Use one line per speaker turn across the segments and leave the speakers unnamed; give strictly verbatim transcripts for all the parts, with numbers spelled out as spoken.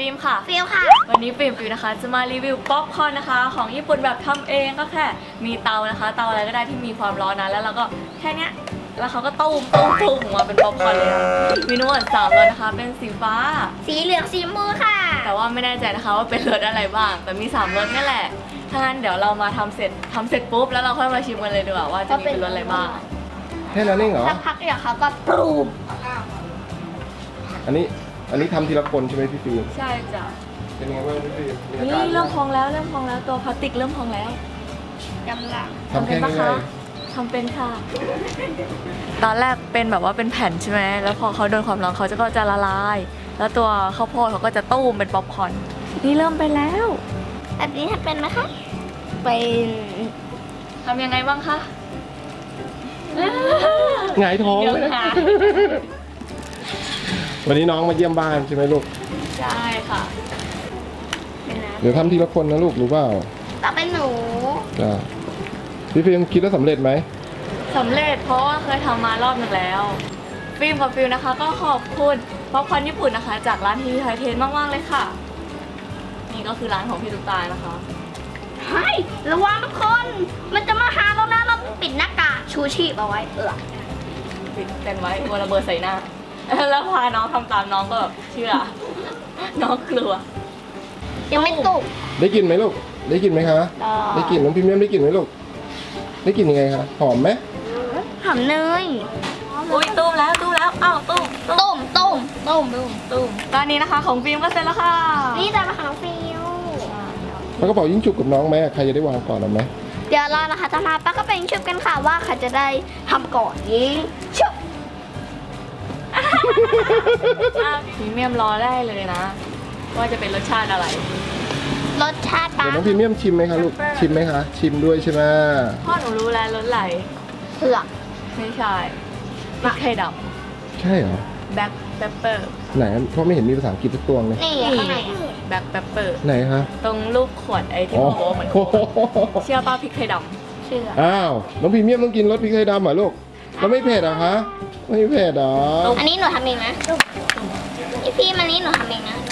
ฟิล์มค่ะ
ฟิลค่ะ
วันนี้ฟิล์มฟิล์มนะคะจะมารีวิวป๊อปคอร์นนะคะของญี่ปุ่นแบบทำเองก็แค่มีเตานะคะเตาอะไรก็ได้ที่มีความร้อนนะแล้วเราก็แค่เนี้ยแล้วเขาก็ตุ้มตุ้มตุ้มออกมาเป็นป๊อปคอร์นเลยนะมีทั้งหมดสามรสนะคะเป็นสีฟ้า
สีเหลืองสีชมพูค่ะ
แต่ว่าไม่แน่ใจนะคะว่าเป็นรสอะไรบ้างแต่มีสามรสนี่แหละถ้างั้นเดี๋ยวเรามาทำเสร็จทำเสร็จปุ๊บแล้วเราค่อยมาชิมกันเลยดีกว่าว่าจะมีเป็นรสอะไรบ้าง
แค่นั้นเองเหรอ
สักพักเดี๋ยวเขาก็ปรุง
อันนี้อันนี้ทำทีละคนใช่ไหมพี่ฟิล์ม
ใช่จ้ะ
เป็นไงบ้างพี่ฟิล์มมีอา
นี่
การ
เริ่มพองแล้วเริ่มพองแล้วตัวพลาสติกเริ่มพองแล้ว
กำลัง
ทำแค่ง่าย
ทำเป็นค่ะตอนแรกเป็นแบบว่าเป็นแผ่นใช่ไหมแล้วพอเขาโดนความร้อนเขาจะก็จะละลายแล้วตัวข้าวโพดเขาก็จะตุ้มเป็นป๊อปคอร์นนี่เริ่มไปแล้ว
แบบนี้ทำเป็นไหมคะเป็น
ทำยังไงบ้างคะ
หงายท้องเลยนะวันนี้น้องมาเยี่ยมบ้านใช่ไหมลูก
ใช่ค่ะ
เดี๋ยวทำทีละคนนะลูกรู้เปล่า
ต่อเป็นหนู
จ้าพี่ฟิล์มคิดว่าสำเร็จไหม
สำเร็จเพราะว่าเคยทำมารอบหนึ่งแล้วฟิล์มกับฟิลนะคะก็ขอบคุณป๊อปคอร์นญี่ปุ่นนะคะจากร้านทีไทยเทนมากๆเลยค่ะนี่ก็คือร้านของพี่ตุ๊กตานะคะ
เฮ้ยระวังทุกคนมันจะมาหาเรานะเราปิดหน้ากากชูชีพเอาไว้เออ
ปิดกันไว้กลัวระเบิดใส่หน้าแล้วพาน้องทำตามน้องก็แบบเชื่อน้องกลัว
ยังไม่ตุก
ได้กลิ่นไหมลูกได้กลิ่นไหมคะได้กลิ่นน้องพิมพ์ได้กลิ่นไหมลูกได้กลิ่นยังไงคะหอมไหม
หอมเนย
อุ้ยตุ้มแล้วตุ้มแล้วอ้าวตุ้ม
ตุ้มตุ้มตุ้มตุ้ม
ตุ้มตอนนี้นะคะของฟิล์มก็เสร็จแล้วค่ะ
นี่จะมาของฟิล
แล้วกระเป๋ายิ่งจุกกับน้องไหมใครจะได้วางก่อนหรือไหม
เดี๋ยวเรานะคะจะมาป้าก็เป็นชุบกันค่ะว่าใครจะได้ทำก่อนยิงชุบ
พรีเมียมรอได้เลยนะว่าจะเป็นรสชาติอะไร
รสชาติปลา
เดี๋ยวน้องพรีเมียมชิมไหมคะลูกชิมไหมคะชิมด้วยใช่ไหม
พ่อหนูรู้แล้วรสไหล
เผือก
ไม่ใช่พริกไทยดำ
ใช่เหรอ
แบล็คเปปเปอร์
ไหนเพราะไม่เห็นมีภาษาอังกฤษสักตัวเลย
นี่ข้างใน
แบล็คเปปเปอร์
ไหนคะ
ตรงรูปขวดไอ้ที่บอกว่าเหมือนเชื่อป้าพริกไทยดำ
เชื่อ
อ้าวน้องพรีเมียมต้องกินรสพริกไทยดำเหรอลูกแล้วไม่เผ็ดเหรอคะไม่เผ็ดเหรอ
อันนี้หนูทำเองนะพี่พี่มันนี้หนูทำเองนะ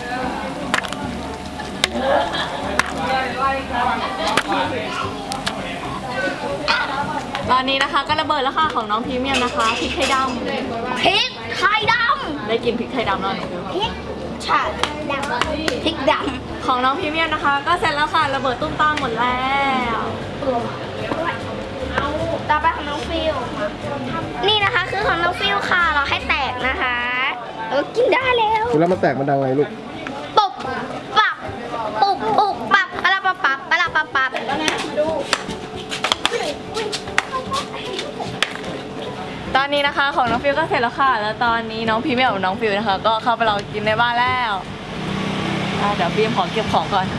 ตอนนี้นะคะก็ระเบิดแล้วค่ะของน้องพรีเมียมนะคะพริกไทยดำ
พริกไทยดำ
ได้กินพริกไทยดำแล้วหนู
พริกชาดำพริกดำ
ของน้องพรีเมียมนะคะก็เสร็จแล้วค่ะระเบิดตุ้มตามหมดแล้ว
ต่อไปของน้องฟิลนี่นะคะคือของน้องฟิลค่ะเราให้แตกนะคะเรากินได้แล้ว
แล้วมันแตกมันดังอะไรลูก
ปุบปับปุบปุบปับปะละปะปับปะละปะปับแล้วนะมาดู
ตอนนี้นะคะของน้องฟิลก็เสร็จแล้วค่ะแล้วตอนนี้น้องพรีเมียมกับน้องฟิลนะคะก็เข้าไปรอกินในบ้านแล้วเดี๋ยวฟิล์มขอเก็บของก่อน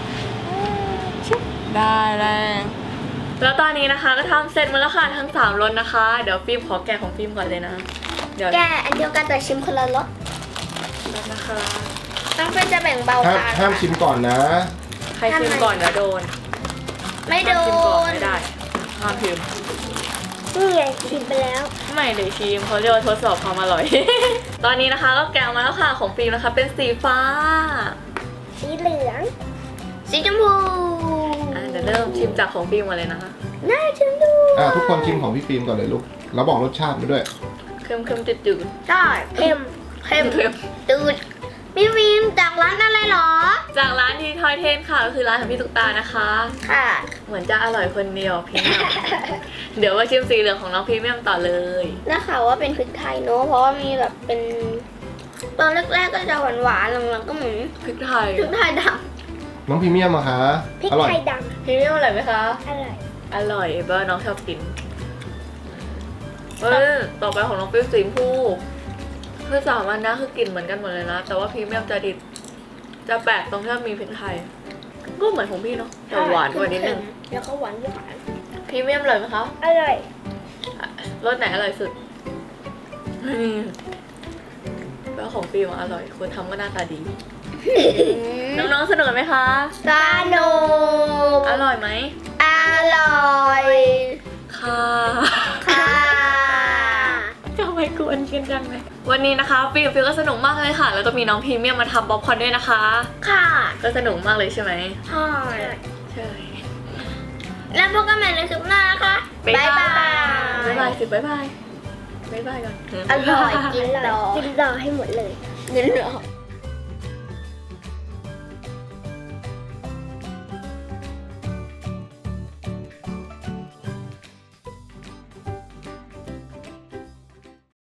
ได้แล้วแล้วตอนนี้นะคะก็ทำเสร็จหมดแล้วค่ะทั้งสามรสนะคะเดี๋ยวฟิล์มขอแกะของฟิล์มก่อนเลยนะ
เดี๋ยวแกะอันเดียวกันแต่ชิมคนละรส
นะคะ
ต้องเพื่อจะแบ่งเบา
กันห้ามชิมก่อนนะ
ใครชิมก่อนเดี๋ยวโดน
ไม่โดน
ไม่ได้ห้ามชิม
นี่ไงชิมไปแล้ว
ไม่เลยชิมเขาเรียกว่าทดสอบความอร่อย ตอนนี้นะคะก็แกะมาแล้วค่ะของฟิล์มนะคะเป็นสีฟ้า
สีเหลืองสีชมพู
เดี๋ยวเริ่มชิมจากของฟิล์มมาเลยนะคะ
น่าชิมดู
อ่าทุกคนชิมของพี่ฟิล์มก่อนเลยลูกแล้วบอกรสชาติมาด้วย
เค็มเค็มจืดจืด
ใช่เค็มเค็มเค็มจืดพี่ฟิล์มจากร้านอะไรหรอ
จากร้านทีทอยเทนค่ะก็คือร้านของพี่ตุ๊กตานะคะ
ค่ะ
เหมือนจะอร่อยคนเดียวพรีเมียมเดี๋ยวมาชิมสีเหลืองของน้องพรีเมียมต่อเลย
นะคะว่าเป็นพริกไทยเนอะเพราะว่ามีแบบเป็นตอนแรกๆก็จะหวานๆหลังๆก็เหมือน
พริกไทย
พริกไทยด
ำน้องพรีเมียมอะคะ
พริกไทยดำ
พรีเมียมอร่อยไหมคะ
อร่อย
อร่อยเบอร์น้องชอบกินเออต่อไปของน้องฟิลสีชมพูคือสามอันนะคือกลิ่นเหมือนกันหมดเลยนะแต่ว่าพรีเมียมจะดิบจะแปลกตรงที่มีพริกไทยก็เหมือนของพี่เนาะแต่หวานกว่านิดนึง
แล้วก็หวานหวาน
พรีเมียมอร่อยไหมคะ
อร่อย
รสไหนอร่อยสุดแล้วของฟิลอร่อยคนทำก็หน้าตาดีน้องๆสนุกไหมคะ
สนุก
อร่อยไหม
อร่อย
ค่ะ
ค่ะ
จะไปกวนกันนกันไหมวันนี้นะคะฟิลฟิลก็สนุกมากเลยค่ะ แล้วก็มีน้องพรีเมียมมาทำป๊อปคอร์นด้วยนะคะ
ค่ะ
ก็สนุกมากเลยใช่ไหม
ใช่
ใช่
แล้วพบกันใหม่ในคลิปหน้านะคะ
บ๊ายบาย
บ๊ายบาย
บ๊ายบายสิบ๊ายบายบ๊ายบายก่อน
อร่อยกินรอกินรอให้หมดเลยกินรอ